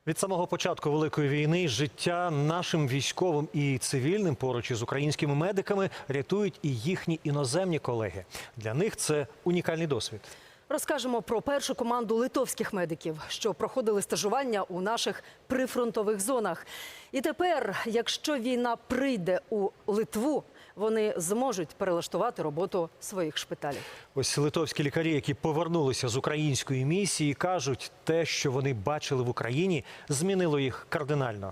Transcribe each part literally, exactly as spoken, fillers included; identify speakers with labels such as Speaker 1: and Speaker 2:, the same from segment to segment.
Speaker 1: Від самого початку Великої війни життя нашим військовим і цивільним поруч із українськими медиками рятують і їхні іноземні колеги. Для них це унікальний досвід.
Speaker 2: Розкажемо про першу команду литовських медиків, що проходили стажування у наших прифронтових зонах. І тепер, якщо війна прийде у Литву, вони зможуть перелаштувати роботу своїх шпиталів.
Speaker 1: Ось литовські лікарі, які повернулися з української місії, кажуть, те, що вони бачили в Україні, змінило їх кардинально.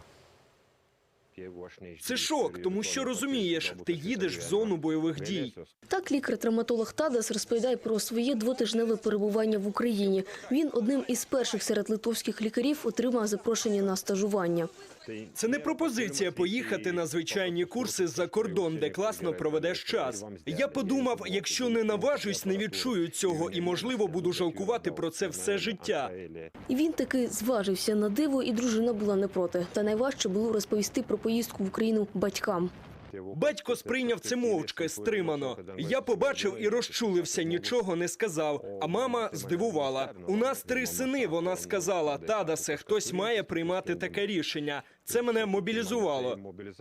Speaker 3: Це шок, тому що розумієш, ти їдеш в зону бойових дій.
Speaker 4: Так лікар-травматолог Тадас розповідає про своє двотижневе перебування в Україні. Він одним із перших серед литовських лікарів отримав запрошення на стажування.
Speaker 3: Це не пропозиція поїхати на звичайні курси за кордон, де класно проведеш час. Я подумав, якщо не наважусь, не відчую цього і, можливо, буду жалкувати про це все життя.
Speaker 4: І він таки зважився на диво, і дружина була не проти. Та найважче було розповісти про поїздку в Україну батькам.
Speaker 3: Батько сприйняв це мовчки, стримано. Я побачив і розчулився, нічого не сказав. А мама здивувала. У нас три сини, вона сказала. Тадасе, хтось має приймати таке рішення. Це мене мобілізувало.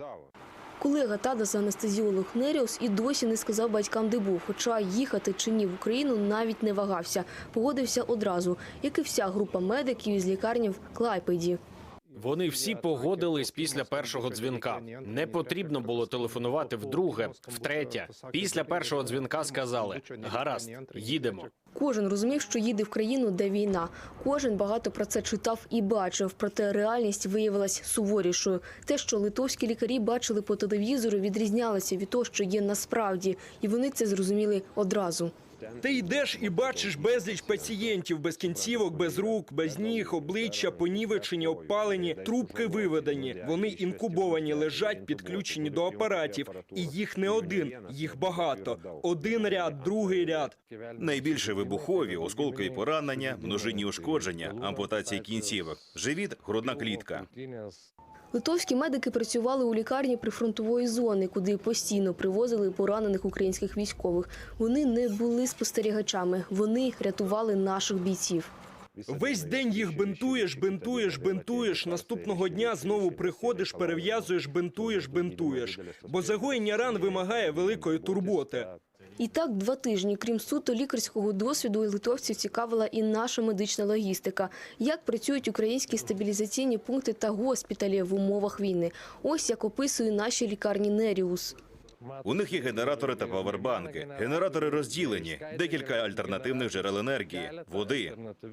Speaker 4: Колега Тадаса, анестезіолог Неріус, і досі не сказав батькам, де був. Хоча їхати чи ні в Україну навіть не вагався. Погодився одразу, як і вся група медиків із лікарні в Клайпеді.
Speaker 5: Вони всі погодились після першого дзвінка. Не потрібно було телефонувати вдруге, втретє. Після першого дзвінка сказали: гаразд, їдемо.
Speaker 4: Кожен розумів, що їде в країну, де війна. Кожен багато про це читав і бачив, проте реальність виявилась суворішою. Те, що литовські лікарі бачили по телевізору, відрізнялося від того, що є насправді. І вони це зрозуміли одразу.
Speaker 3: Ти йдеш і бачиш безліч пацієнтів без кінцівок, без рук, без ніг, обличчя понівечені, обпалені, трубки виведені. Вони інкубовані, лежать, підключені до апаратів. І їх не один, їх багато. Один ряд, другий ряд.
Speaker 6: Найбільше вибухові, осколкові поранення, множинні ушкодження, ампутації кінцівок, живіт, грудна клітка.
Speaker 4: Литовські медики працювали у лікарні прифронтової зони, куди постійно привозили поранених українських військових. Вони не були спостерігачами, вони рятували наших бійців.
Speaker 3: Весь день їх бинтуєш, бинтуєш, бинтуєш. Наступного дня знову приходиш, перев'язуєш, бинтуєш, бинтуєш. Бо загоєння ран вимагає великої турботи.
Speaker 4: І так два тижні, крім суто лікарського досвіду, литовців цікавила і наша медична логістика. Як працюють українські стабілізаційні пункти та госпіталі в умовах війни. Ось як описує наші лікарні Неріус.
Speaker 6: У них є генератори та павербанки. Генератори розділені, декілька альтернативних джерел енергії, води.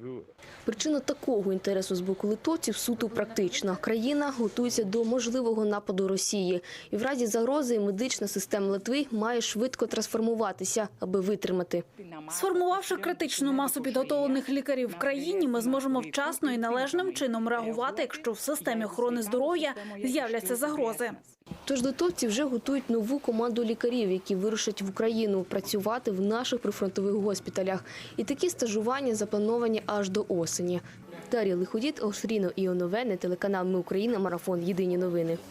Speaker 4: Причина такого інтересу з боку литовців суто практична. Країна готується до можливого нападу Росії. І в разі загрози медична система Литви має швидко трансформуватися, аби витримати.
Speaker 7: Сформувавши критичну масу підготовлених лікарів в країні, ми зможемо вчасно і належним чином реагувати, якщо в системі охорони здоров'я з'являться загрози.
Speaker 4: Тож литовці вже готують нову команду лікарів, які вирушать в Україну працювати в наших прифронтових госпіталях. І такі стажування заплановані аж до осені. Дар'я Лиходіт, Ошріно Іоновене, телеканал «Ми Україна», марафон «Єдині новини».